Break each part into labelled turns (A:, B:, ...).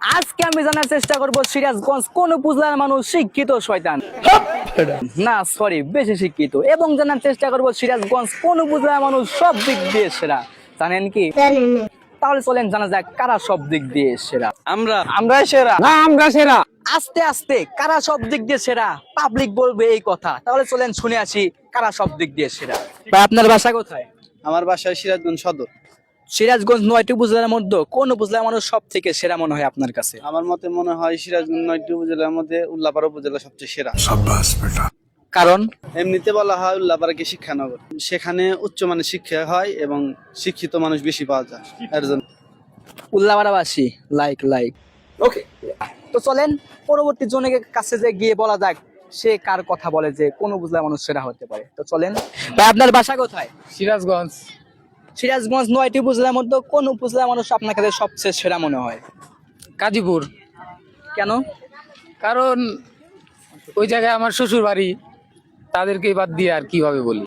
A: আজকে আমি জানার চেষ্টা করব সিরাজগঞ্জ কোন উপজেলার মানুষ শিক্ষিত শয়তান না সরি বেশি শিক্ষিত, এবং জানার চেষ্টা করব সিরাজগঞ্জ কোন উপজেলার মানুষ সব দিক দিয়ে সেরা। জানেন কি? তাহলে চলেন জানা যাক কারা সব দিক দিয়ে সেরা।
B: আমরা সেরা না, আমরা সেরা।
A: আস্তে আস্তে কারা সব দিক দিয়ে সেরা পাবলিক বলবে এই কথা। তাহলে চলেন শুনে আসি কারা সব দিক দিয়ে সেরা। ভাই আপনার বাসা কোথায়?
B: আমার বাসায় সিরাজগঞ্জ সদর।
A: সিরাজগঞ্জ 9টি উপজেলার মধ্যে কোন উপজেলার মানুষ সব থেকে সেরা মনে হয় আপনার কাছে?
B: আমার মতে মনে হয় সিরাজগঞ্জ 9টি উপজেলার মধ্যে উল্লাপাড়া উপজেলা সবচেয়ে সেরা।
A: কারণ
B: এমনিতে বলা হয় উল্লাপাড়াকে শিক্ষানগর, সেখানে উচ্চমানের শিক্ষা হয় এবং শিক্ষিত মানুষ বেশি পাওয়া যায়। এর জন্য
A: উল্লাপাড়াবাসী লাইক ওকে। তো চলেন পরবর্তী জনের কাছে যে গিয়ে বলা যাক সে কার কথা বলে যে কোন উপজেলার মানুষ সেরা হতে পারে। তো চলেন ভাই আপনার বাসা কোথায়?
B: সিরাজগঞ্জ।
A: সিরাজগঞ্জ 9টি উপজেলার মধ্যে কোন উপজেলার মানুষ আপনার কাছে সবচেয়ে সেরা মনে হয়?
C: গাজীপুর।
A: কেন?
C: কারণ ওই জায়গায় আমার শ্বশুর বাড়ি, তাদেরকে বাদ দিয়ে আর কিভাবে বলি।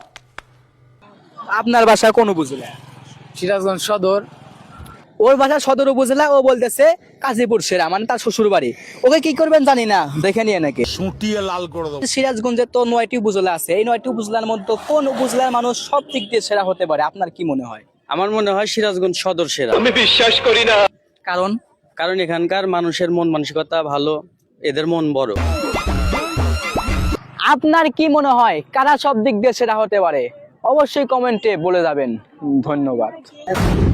A: আপনার বাসা কোন উপজেলা?
C: সিরাজগঞ্জ সদর।
A: ওর বাসা সদর উপজেলা, ও বলতেছে কাজীপুর সেরা, মানে তার শ্বশুর বাড়ি। ওকে কি করবেন জানি না, দেখে নিয়ে নাকি
D: সুটিয়ে লাল করে দেবো।
A: সিরাজগঞ্জে তো 9টি উপজেলা আছে, এই 9টি উপজেলার মধ্যে কোন উপজেলার মানুষ সব দিক দিয়ে সেরা হতে পারে আপনার কি মনে হয়?
B: আমার মনে হয় সিরাজগঞ্জ সদর সেরা।
A: কারণ
B: কারণ এখানকার মানুষের মন মানসিকতা ভালো, এদের মন বড়।
A: আপনার কি মনে হয় কারা সব দিক দিয়ে সেরা হতে পারে? অবশ্যই কমেন্টে বলে যাবেন। ধন্যবাদ।